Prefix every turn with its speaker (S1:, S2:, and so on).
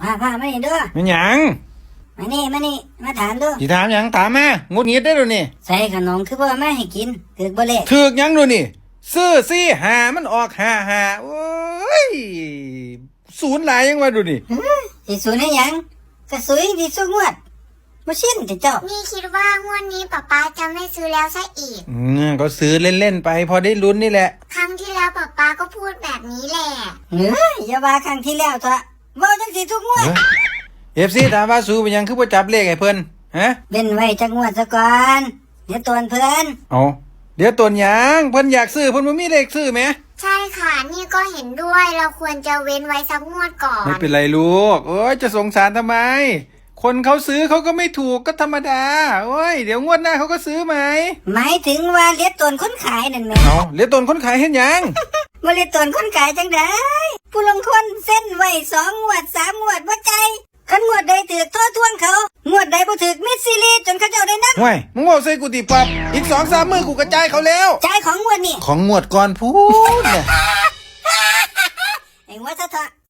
S1: พามานี่เด้อ
S2: มันหยัง
S1: มานี่มาถามดู
S2: สิถามหยังถามมางุดหงิดได้ดูนี่
S1: ใส่ขนมคือบ่มาให้กินถือบ่เลข
S2: ถือกหยังดูนี่ซื้อซี่หามันออกหาโอ้ยศูนย์หลายยังว่าดูนี่
S1: สิศูนย์ให้หยังกระสุยสิสู้งวดบ่ชินติเจ้า
S3: นี่คิดว่างวดนี้ป๊าจะไม่ซื้อแล้วซะอีก
S2: ก็ซื้อเล่นๆไปพอได้ลุ้นนี่แหละ
S3: ครั้งที่แล้วป๊าก็พูดแบบนี้แหละ
S1: อย่าว่าครั้งที่แล้วเถอะเว้าจังสิทุกงวด
S2: FC ถามว่าสู้เป็นหยังคือบ่จับเลขให้เพิ่นฮะ
S1: เว้นไว้จักงวดซะก่อนเดี๋ยวตวนเพิ่น
S2: เอาเดี๋ยวตนหยังเพิ่นอยากซื้อเพิ่นบ่มีเลขซื้อแหม
S3: ใช่ค่ะนี่ก็เห็นด้วยเราควรจะเว้นไว้สักงวดก่อน
S2: ไม่เป็นไรลูกโอ้ยจะสงสารทำไมคนเขาซื้อเขาก็ไม่ถูกก็ธรรมดาโอ้ยเดี๋ยวงวดหน้าเขาก็ซื้อไหม
S1: หมายถึงว่าเลียตนคนขายนั่นแหม
S2: เอาเลียตนคนขายเห็นยัง
S1: บ่เลียตนคนขายจังได๋ผู้ลงคนเส้นไว้2งวด3งวดบ่ใจคันงวดใดถูกโทษทวงเขางวดใดบ่ถูกมิดซีรีจนเขาเจ้าได้นับ
S2: ห่วยมึงบอกใส่กูติปับอีก 2-3 มื้อกูกระจายเขาแล้ว
S1: จ่ายของงวดนี่
S2: ของงวดก่อนพูดเนี่ย
S1: ไอ้ว่าซะเถอะ